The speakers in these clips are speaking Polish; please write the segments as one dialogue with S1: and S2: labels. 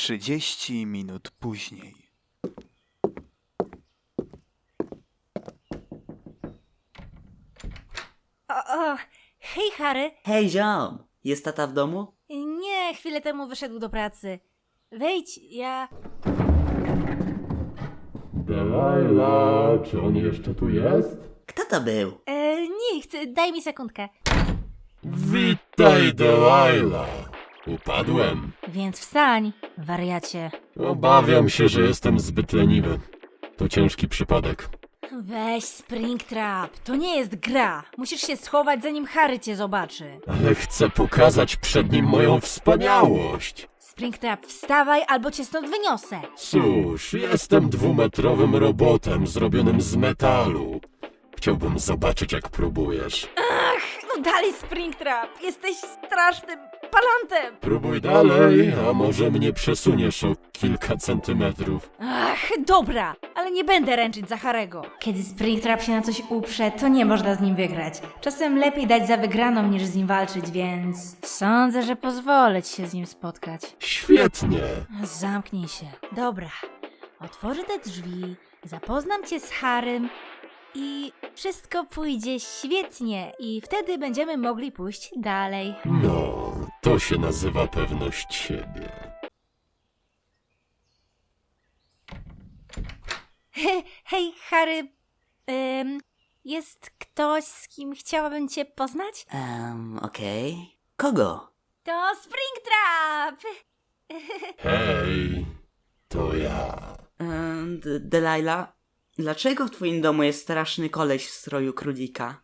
S1: 30 minut później.
S2: Hej, Harry.
S3: Hej, ziom! Jest tata w domu?
S2: Nie, chwilę temu wyszedł do pracy. Wejdź, ja...
S4: Delilah, czy on jeszcze tu jest?
S3: Kto to był?
S2: Nikt, daj mi sekundkę.
S4: Witaj, Delilah. Upadłem.
S2: Więc wstań, wariacie.
S4: Obawiam się, że jestem zbyt leniwy. To ciężki przypadek.
S2: Weź Springtrap, to nie jest gra. Musisz się schować, zanim Harry cię zobaczy.
S4: Ale chcę pokazać przed nim moją wspaniałość.
S2: Springtrap, wstawaj, albo cię stąd wyniosę.
S4: Cóż, jestem dwumetrowym robotem zrobionym z metalu. Chciałbym zobaczyć, jak próbujesz.
S2: No dalej, Springtrap, jesteś strasznym palantem.
S4: Próbuj dalej, a może mnie przesuniesz o kilka centymetrów.
S2: Dobra, ale nie będę ręczyć za Harego. Kiedy Springtrap się na coś uprze, to nie można z nim wygrać. Czasem lepiej dać za wygraną, niż z nim walczyć, więc... Sądzę, że pozwolę ci się z nim spotkać.
S4: Świetnie.
S2: Zamknij się. Dobra, otworzę te drzwi, zapoznam cię z Harrym i wszystko pójdzie świetnie i wtedy będziemy mogli pójść dalej.
S4: No, to się nazywa pewność siebie.
S2: Hej, Harry, jest ktoś, z kim chciałabym cię poznać?
S3: Okej. Kogo?
S2: To Springtrap!
S4: Hej, to ja.
S3: Delilah, dlaczego w twoim domu jest straszny koleś w stroju królika?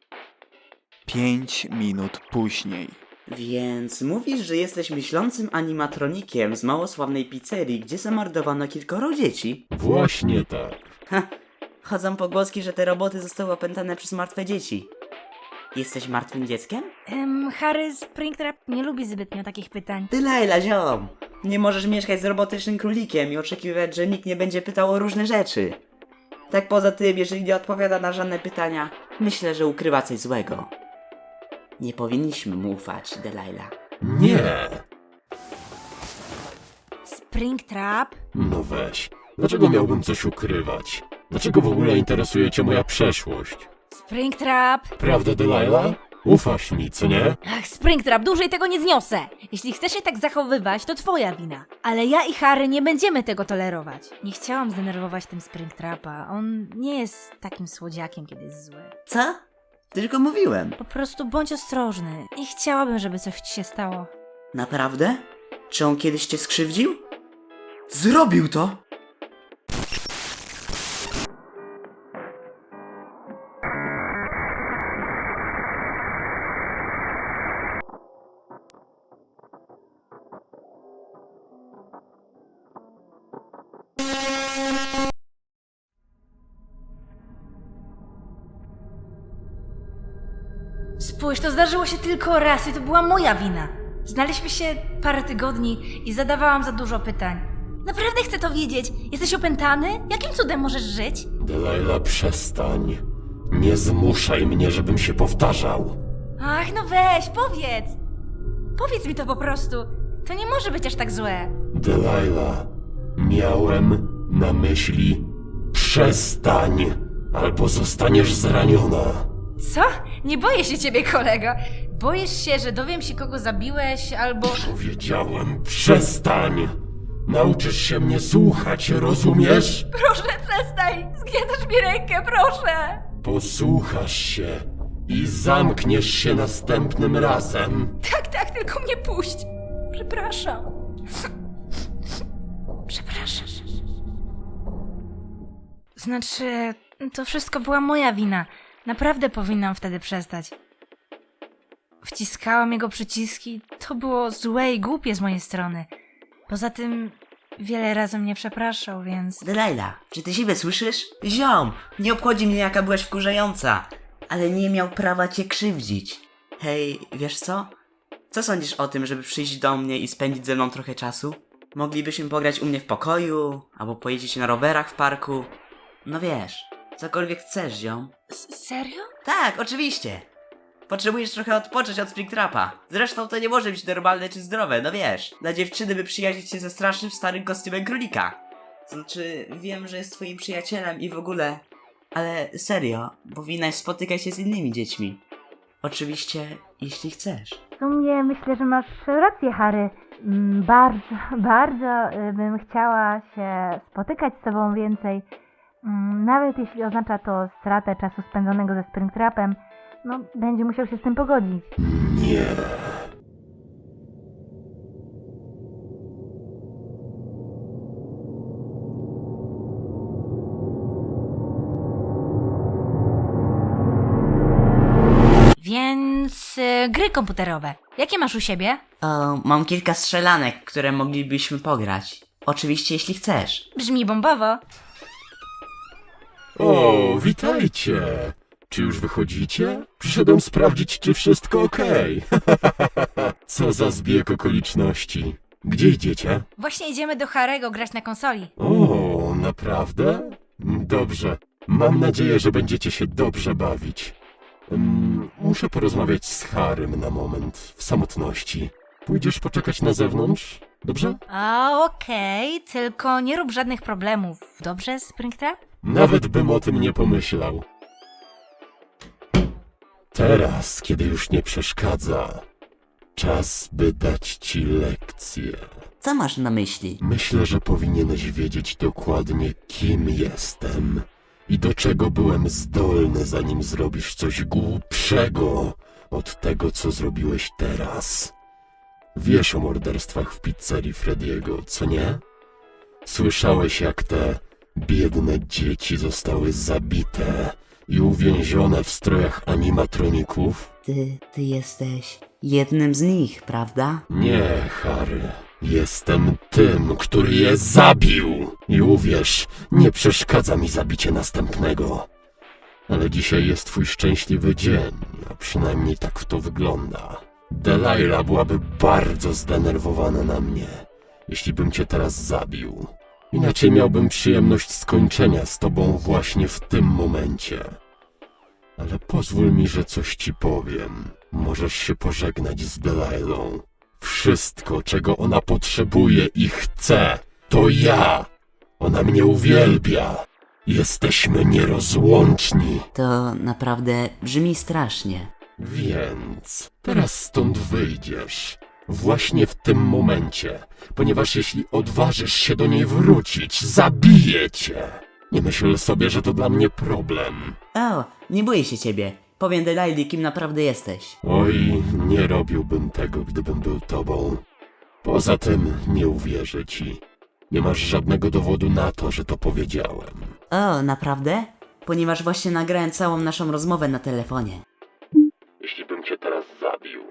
S1: 5 minut później.
S3: Więc mówisz, że jesteś myślącym animatronikiem z małosławnej pizzerii, gdzie zamordowano kilkoro dzieci?
S4: Właśnie tak.
S3: Ha! Chodzą pogłoski, że te roboty zostały opętane przez martwe dzieci. Jesteś martwym dzieckiem?
S2: Harry, Springtrap nie lubi zbytnio takich pytań.
S3: Delilah, ziom! Nie możesz mieszkać z robotycznym królikiem i oczekiwać, że nikt nie będzie pytał o różne rzeczy. Tak poza tym, jeżeli nie odpowiada na żadne pytania, myślę, że ukrywa coś złego. Nie powinniśmy mu ufać, Delilah.
S4: Nie.
S2: Springtrap?
S4: No weź. Dlaczego miałbym coś ukrywać? Dlaczego w ogóle interesuje cię moja przeszłość?
S2: Springtrap!
S4: Prawda, Delilah? Ufasz mi, co nie?
S2: Springtrap, dłużej tego nie zniosę! Jeśli chcesz się tak zachowywać, to twoja wina. Ale ja i Harry nie będziemy tego tolerować. Nie chciałam zdenerwować tym Springtrapa. On nie jest takim słodziakiem, kiedy jest zły.
S3: Co? Tylko mówiłem.
S2: Po prostu bądź ostrożny. Nie chciałabym, żeby coś ci się stało.
S3: Naprawdę? Czy on kiedyś cię skrzywdził? Zrobił to!
S2: Spójrz, to zdarzyło się tylko raz i to była moja wina. Znaliśmy się parę tygodni i zadawałam za dużo pytań. Naprawdę chcę to wiedzieć. Jesteś opętany? Jakim cudem możesz żyć?
S4: Delilah, przestań. Nie zmuszaj mnie, żebym się powtarzał.
S2: Ach, no weź, powiedz! Powiedz mi to po prostu. To nie może być aż tak złe.
S4: Delilah, miałem na myśli przestań, albo zostaniesz zraniona.
S2: Co? Nie boję się ciebie, kolego. Boisz się, że dowiem się, kogo zabiłeś, albo...
S4: Powiedziałem przestań! Nauczysz się mnie słuchać, rozumiesz?
S2: Proszę, przestań! Zgniatasz mi rękę, proszę!
S4: Posłuchasz się i zamkniesz się następnym razem.
S2: Tak, tylko mnie puść. Przepraszam. Przepraszam. Znaczy, to wszystko była moja wina. Naprawdę powinnam wtedy przestać. Wciskałam jego przyciski. To było złe i głupie z mojej strony. Poza tym wiele razy mnie przepraszał, więc...
S3: Delilah, czy ty siebie słyszysz? Ziom, nie obchodzi mnie jaka byłaś wkurzająca, ale nie miał prawa cię krzywdzić. Hej, wiesz co? Co sądzisz o tym, żeby przyjść do mnie i spędzić ze mną trochę czasu? Moglibyśmy pograć u mnie w pokoju, albo pojeździć na rowerach w parku. No wiesz, cokolwiek chcesz, ziom.
S2: Serio?
S3: Tak, oczywiście. Potrzebujesz trochę odpocząć od Springtrapa. Zresztą to nie może być normalne czy zdrowe, no wiesz. Dla dziewczyny by przyjaźnić się ze strasznym starym kostiumem królika. Znaczy, wiem, że jest twoim przyjacielem i w ogóle... Ale serio, powinnaś spotykać się z innymi dziećmi. Oczywiście, jeśli chcesz.
S2: W sumie myślę, że masz rację, Harry. Bardzo, bardzo bym chciała się spotykać z tobą więcej. Nawet jeśli oznacza to stratę czasu spędzonego ze Springtrapem, no będzie musiał się z tym pogodzić.
S4: Nie.
S2: Więc gry komputerowe. Jakie masz u siebie?
S3: O, mam kilka strzelanek, które moglibyśmy pograć. Oczywiście, jeśli chcesz.
S2: Brzmi bombowo.
S4: O, witajcie! Czy już wychodzicie? Przyszedłem sprawdzić, czy wszystko okej. Co za zbieg okoliczności. Gdzie idziecie?
S2: Właśnie idziemy do Harry'ego grać na konsoli.
S4: O, naprawdę? Dobrze. Mam nadzieję, że będziecie się dobrze bawić. Muszę porozmawiać z Harrym na moment, w samotności. Pójdziesz poczekać na zewnątrz? Dobrze?
S2: A okej, tylko nie rób żadnych problemów. Dobrze, Springtrap?
S4: Nawet bym o tym nie pomyślał. Teraz, kiedy już nie przeszkadza, czas by dać ci lekcję.
S3: Co masz na myśli?
S4: Myślę, że powinieneś wiedzieć dokładnie, kim jestem i do czego byłem zdolny, zanim zrobisz coś głupszego od tego, co zrobiłeś teraz. Wiesz o morderstwach w pizzerii Frediego, co nie? Słyszałeś, jak te biedne dzieci zostały zabite i uwięzione w strojach animatroników?
S3: Ty jesteś jednym z nich, prawda?
S4: Nie, Harry. Jestem tym, który je zabił. I uwierz, nie przeszkadza mi zabicie następnego. Ale dzisiaj jest twój szczęśliwy dzień, a przynajmniej tak to wygląda. Delilah byłaby bardzo zdenerwowana na mnie, jeśli bym cię teraz zabił. Inaczej miałbym przyjemność skończenia z tobą właśnie w tym momencie. Ale pozwól mi, że coś ci powiem. Możesz się pożegnać z Delilą. Wszystko, czego ona potrzebuje i chce, to ja. Ona mnie uwielbia. Jesteśmy nierozłączni.
S3: To naprawdę brzmi strasznie.
S4: Więc teraz stąd wyjdziesz. Właśnie w tym momencie. Ponieważ jeśli odważysz się do niej wrócić, zabiję cię. Nie myśl sobie, że to dla mnie problem.
S3: O, nie boję się ciebie. Powiem Delilii, kim naprawdę jesteś.
S4: Oj, nie robiłbym tego, gdybym był tobą. Poza tym nie uwierzę ci. Nie masz żadnego dowodu na to, że to powiedziałem.
S3: O, naprawdę? Ponieważ właśnie nagrałem całą naszą rozmowę na telefonie.
S4: Jeśli bym cię teraz zabił.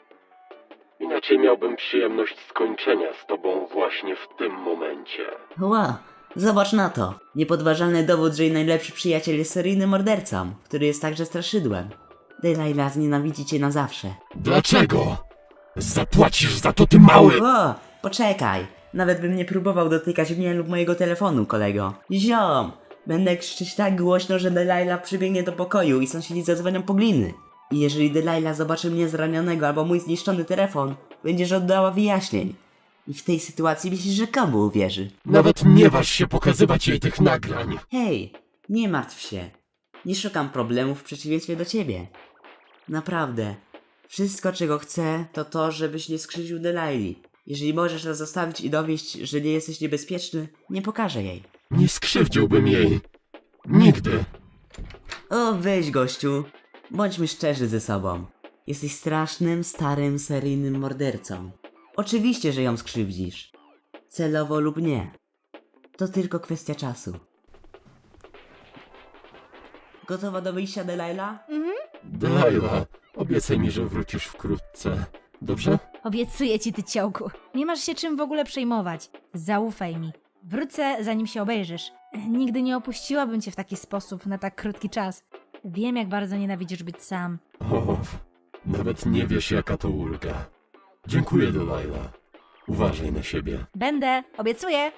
S4: Inaczej miałbym przyjemność skończenia z tobą właśnie w tym momencie.
S3: Wow, zobacz na to. Niepodważalny dowód, że jej najlepszy przyjaciel jest seryjnym mordercą, który jest także straszydłem. Delilah znienawidzi cię na zawsze.
S4: Dlaczego? Zapłacisz za to, ty mały!
S3: O, poczekaj. Nawet bym nie próbował dotykać mnie lub mojego telefonu, kolego. Ziom! Będę krzyczeć tak głośno, że Delilah przybiegnie do pokoju i sąsiedzi zadzwonią po gliny. I jeżeli Delilah zobaczy mnie zranionego albo mój zniszczony telefon, będziesz oddała wyjaśnień. I w tej sytuacji myślisz, że komu uwierzy?
S4: Nawet nie waż się pokazywać jej tych nagrań.
S3: Hej, nie martw się. Nie szukam problemów w przeciwieństwie do ciebie. Naprawdę. Wszystko, czego chcę, to to, żebyś nie skrzywdził Delilii. Jeżeli możesz nas zostawić i dowieść, że nie jesteś niebezpieczny, nie pokażę jej.
S4: Nie skrzywdziłbym jej. Nigdy.
S3: O, weź gościu. Bądźmy szczerzy ze sobą. Jesteś strasznym, starym, seryjnym mordercą. Oczywiście, że ją skrzywdzisz. Celowo lub nie. To tylko kwestia czasu. Gotowa do wyjścia, Delilah?
S4: Delilah, obiecaj mi, że wrócisz wkrótce. Dobrze?
S2: Obiecuję ci, ty ciołku. Nie masz się czym w ogóle przejmować. Zaufaj mi. Wrócę, zanim się obejrzysz. Nigdy nie opuściłabym cię w taki sposób na tak krótki czas. Wiem, jak bardzo nienawidzisz być sam.
S4: O, nawet nie wiesz, jaka to ulga. Dziękuję, Delilah. Uważaj na siebie.
S2: Będę, obiecuję.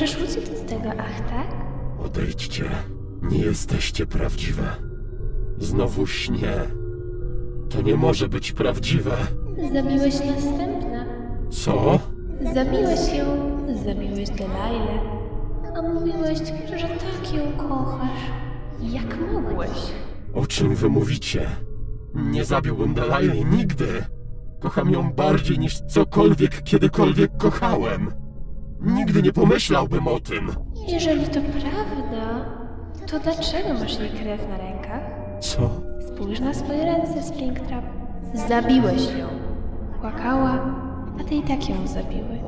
S5: możesz uciec od tego, ach tak?
S4: Odejdźcie. Nie jesteście prawdziwe. Znowu śnie. To nie może być prawdziwe.
S5: Zabiłeś następna.
S4: Co?
S5: Zabiłeś ją, zabiłeś Delailę. A mówiłeś, że tak ją kochasz. Jak mogłeś?
S4: O czym wy mówicie? Nie zabiłbym Delaili nigdy. Kocham ją bardziej niż cokolwiek kiedykolwiek kochałem. Nigdy nie pomyślałbym o tym.
S5: Jeżeli to prawda, to dlaczego masz jej krew na rękach?
S4: Co?
S5: Spójrz na swoje ręce, Springtrap. Zabiłeś ją. Płakała, a ty i tak ją zabiłeś.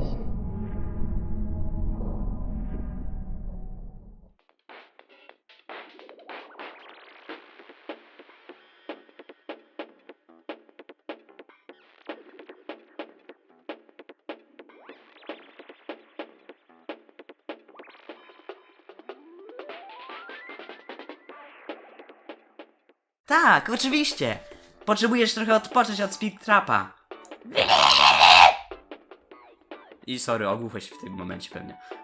S3: Tak, oczywiście. Potrzebujesz trochę odpocząć od Springtrapa. I sorry, ogłuchłeś w tym momencie pewnie.